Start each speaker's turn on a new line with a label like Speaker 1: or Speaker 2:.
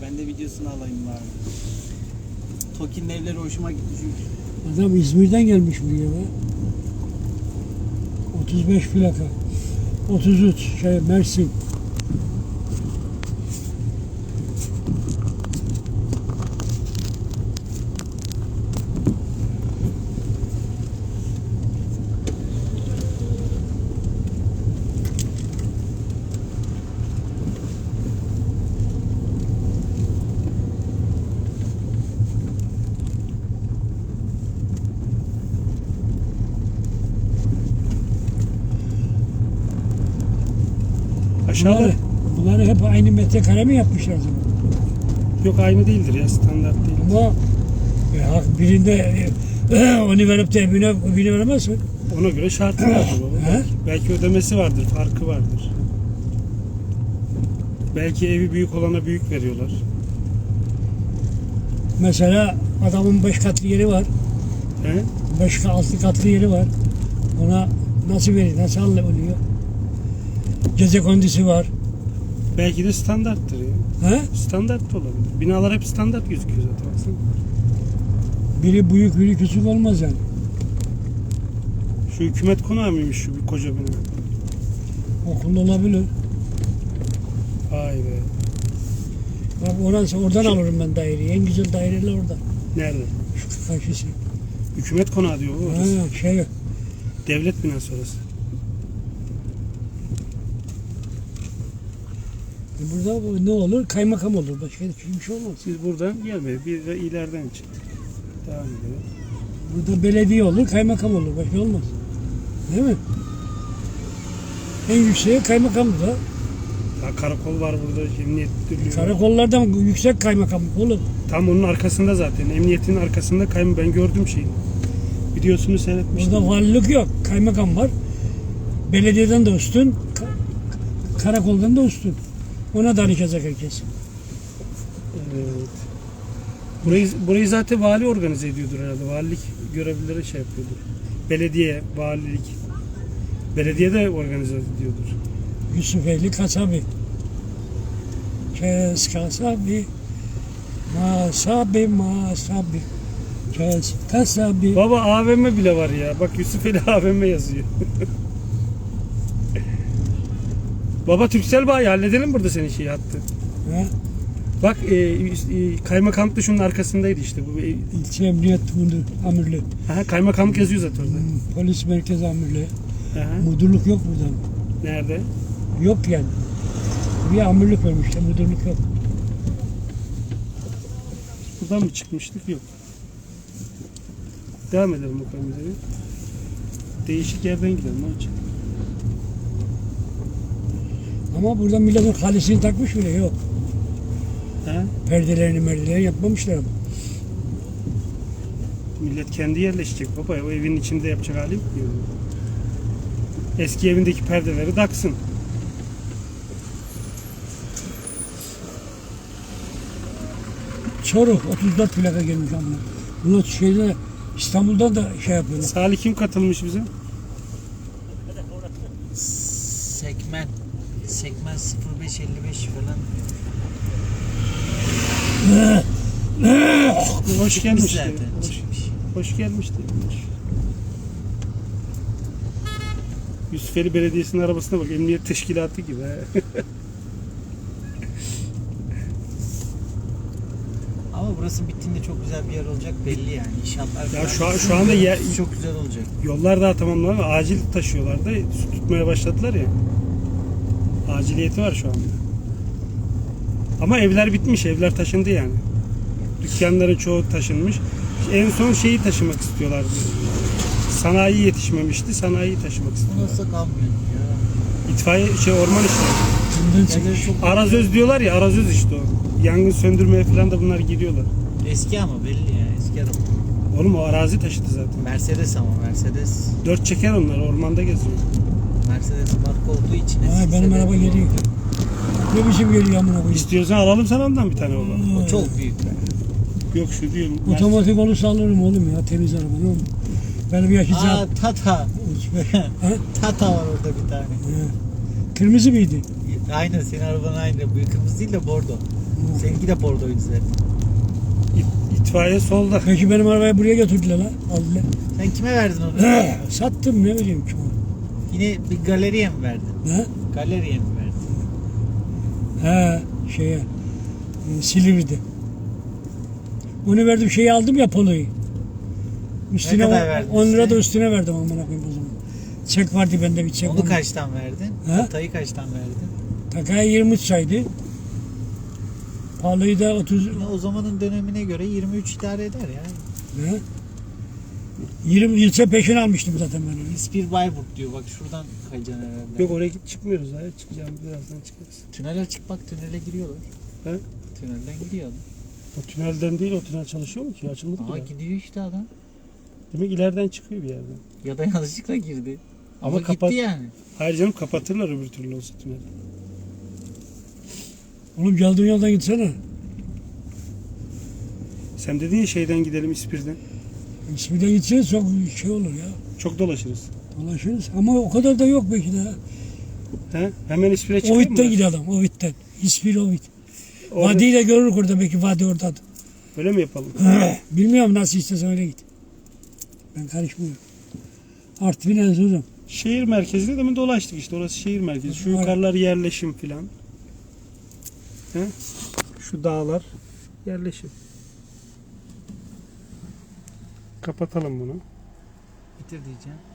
Speaker 1: Ben de videosunu alayım bari. Toki'nin evleri hoşuma gitti çünkü.
Speaker 2: Adam İzmir'den gelmiş buraya be. 35 plaka. 33 Mersin.
Speaker 3: Aşağıda
Speaker 2: Bunları hep aynı metrekare mi yapmışlar?
Speaker 3: yok, aynı değildir ya, standart değil.
Speaker 2: Ama birinde onu verip de öbürüne veremezsin.
Speaker 3: Ona göre şartı vardır baba.
Speaker 2: He?
Speaker 3: Belki ödemesi vardır, farkı vardır. Belki evi büyük olana büyük veriyorlar.
Speaker 2: Mesela adamın 5 katlı yeri var.
Speaker 3: He?
Speaker 2: 5-6 katlı yeri var. Ona nasıl veriyor? Nasıl oluyor? Gece kondisi var.
Speaker 3: Belki de standarttır ya.
Speaker 2: He?
Speaker 3: Standart da olabilir. Binalar hep standart gözüküyor zaten. Baksana.
Speaker 2: Biri büyük, biri küçük olmaz yani.
Speaker 3: Şu hükümet konağı mıymış şu bir koca bina?
Speaker 2: Okul olabilir.
Speaker 3: Vay be.
Speaker 2: Bak oradan alırım ben daireyi. En güzel daireler orada.
Speaker 3: Nerede?
Speaker 2: Şu karşısı.
Speaker 3: Hükümet konağı diyor bu orası.
Speaker 2: Ha,
Speaker 3: Devlet binası orası.
Speaker 2: burada ne olur? Kaymakam olur. Başka hiçbir şey olmaz.
Speaker 3: Siz buradan gelmeyin. Bir de ileriden çık. Devam edelim.
Speaker 2: Burada belediye olur, kaymakam olur. Başka olmaz. Değil mi? En yükseği kaymakamdır da.
Speaker 3: Ha, karakol var burada. Emniyet müdürlüğü var.
Speaker 2: Karakollardan yüksek kaymakam olur.
Speaker 3: Tam onun arkasında zaten. Emniyetin arkasında ben gördüm şeyi. Videosunu seyretmiştim.
Speaker 2: Burada valilik yok. Kaymakam var. Belediyeden de üstün, karakoldan da üstün. Ona danışacak herkes.
Speaker 3: Evet. Burayı zaten vali organize ediyordur herhalde. Valilik görevlileri şey yapıyordur. Belediye, valilik. Belediye de organize ediyordur.
Speaker 2: Yusufeli Kasabi. Kes Kasabi. Masabi. Kes Kasabi.
Speaker 3: Baba AVM bile var ya. Bak Yusufeli AVM yazıyor. Baba Türksel Bayi halledelim burada senin şeyi hattı.
Speaker 2: Ha?
Speaker 3: Bak kaymakamlık da şunun arkasındaydı işte. Bu
Speaker 2: İlçe Emniyet Amirliği.
Speaker 3: kaymakamlık yazıyor zaten orada.
Speaker 2: Polis Merkez Amirliği.
Speaker 3: Aha.
Speaker 2: Müdürlük yok burada.
Speaker 3: Nerede?
Speaker 2: Yok yani. Bir amirlik vermişler, müdürlük yok.
Speaker 3: Buradan mı çıkmıştık? Yok. Devam edelim bakalım bize. Değişik yerden gidelim. Onun için.
Speaker 2: Ama burada milletin halisini takmış bile yok.
Speaker 3: He?
Speaker 2: Perdelerini yapmamışlar ama.
Speaker 3: Millet kendi yerleşecek baba. O evin içinde yapacak hali yok diyor. Eski evindeki perdeleri taksın.
Speaker 2: Çoruk 34 plaka gelmiş ama. Bunu İstanbul'dan da şey yapıyorlar.
Speaker 3: Salih kim katılmış bize?
Speaker 1: Sekmen 0555 falan.
Speaker 3: Hoş gelmiş.
Speaker 1: Zaten
Speaker 3: Hoş,
Speaker 1: çıkmış.
Speaker 3: hoş gelmiş demiş. Yusufeli Belediyesi'nin arabasına bak. Emniyet teşkilatı gibi. He.
Speaker 1: Ama burası bittiğinde çok güzel bir yer olacak belli yani. İnşaatlar
Speaker 3: Ya
Speaker 1: falan.
Speaker 3: şu anda
Speaker 1: çok güzel olacak.
Speaker 3: yollar daha tamamlandı. Acil taşıyorlar da su tutmaya başladılar ya. Aciliyeti var şu anda. Ama evler bitmiş. Evler taşındı yani. Dükkanların çoğu taşınmış. En son şeyi taşımak istiyorlardı. Sanayi yetişmemişti. Sanayiyi taşımak istiyorlar.
Speaker 1: Nasıl kalmıyor ya?
Speaker 3: İtfaiye orman işleri.
Speaker 2: Bundan çıkmış.
Speaker 1: Yerleri çok
Speaker 3: Arazöz diyorlar ya, arazöz işte o. Yangın söndürmeye falan da bunlar giriyorlar.
Speaker 1: eski ama belli ya. Eski araba.
Speaker 3: Oğlum o arazi taşıdı zaten.
Speaker 1: Mercedes ama Mercedes.
Speaker 3: 4 çeker onlar, ormanda geziyor.
Speaker 1: Mercedes marka olduğu için
Speaker 2: Ha,
Speaker 1: eskisi
Speaker 2: benim
Speaker 1: de-
Speaker 2: araba geliyor. Ne biçim geliyor amına koyayım.
Speaker 3: İstiyorsan alalım sana ondan bir tane baba.
Speaker 1: O çok büyük.
Speaker 3: Yok şu diyorum.
Speaker 2: Otomatik olursa alırım oğlum ya, temiz araba, ne olur. Benim yaşayacağım.
Speaker 1: Aa Tata.
Speaker 2: Ha?
Speaker 1: Tata var orada bir tane.
Speaker 2: Kırmızı mıydı?
Speaker 1: Aynen senin arabanın aynı. Bu kırmızı değil de bordo. Seninki de bordoydu zaten.
Speaker 3: İtfaiye solda.
Speaker 2: Peki benim arabayı buraya götürdüler la. Aldılar.
Speaker 1: Sen kime verdin onu?
Speaker 2: Sattım ne bileyim kim o.
Speaker 1: Yine bir galeriye mi verdin?
Speaker 2: Ne?
Speaker 1: Galeriye mi verdin?
Speaker 2: He şeye. Silivri'de. Onu verdim şeyi aldım ya poloyu. Üstüne
Speaker 1: Ne kadar verdin
Speaker 2: 10 lira da
Speaker 1: üstüne?
Speaker 2: üstüne verdim amına koyayım o zaman. Çek vardı bende bir çek.
Speaker 1: Onu kaçtan verdin?
Speaker 2: He?
Speaker 1: Atayı kaçtan verdin?
Speaker 2: Takaya 23 saydı. Pahalıyı da 30.
Speaker 1: Yine o zamanın dönemine göre 23 idare eder ya.
Speaker 2: Ne? 20 ilçe peşin almıştım zaten ben onu.
Speaker 1: İspir Bayburt diyor. Bak şuradan kayacaksın herhalde.
Speaker 3: Yok oraya çıkmıyoruz daha. Çıkacağım birazdan çıkarız.
Speaker 1: Tünel açık bak, tünele giriyorlar.
Speaker 3: He?
Speaker 1: Tünelden gidiyorlar.
Speaker 3: O tünelden değil, o tünel çalışıyor mu ki? Açılmadı
Speaker 1: Aa
Speaker 3: ki. daha.
Speaker 1: gidiyor işte adam.
Speaker 3: Demek ileriden çıkıyor bir yerden.
Speaker 1: Ya da yanlışlıkla girdi. Ama,
Speaker 3: Ama
Speaker 1: gitti
Speaker 3: kapat-
Speaker 1: yani.
Speaker 3: Hayır canım, kapatırlar öbür türlü olsa tüneli.
Speaker 2: Oğlum geldiğin yoldan gitsene.
Speaker 3: Sen dedin ya şeyden gidelim, İspir'den.
Speaker 2: İsmi'den gideceğiz çok şey olur ya.
Speaker 3: Çok dolaşırız.
Speaker 2: Dolaşırız ama o kadar da yok belki de.
Speaker 3: He? Hemen İspir'e çıkıyor mu?
Speaker 2: Ovit'ten gidelim Ovit'ten. İspir Ovit.
Speaker 3: Orada-
Speaker 2: Vadiyi de görürük orada belki vadi orada.
Speaker 3: Öyle mi yapalım?
Speaker 2: Bilmiyorum nasıl istersen öyle git. Ben karışmıyorum. Artvin Erzurum.
Speaker 3: Şehir merkezinde de mi dolaştık işte, orası şehir merkezi. Şu
Speaker 2: Var.
Speaker 3: yukarılar yerleşim filan. He? Şu dağlar yerleşim. Kapatalım bunu.
Speaker 1: Bitir diyeceğim.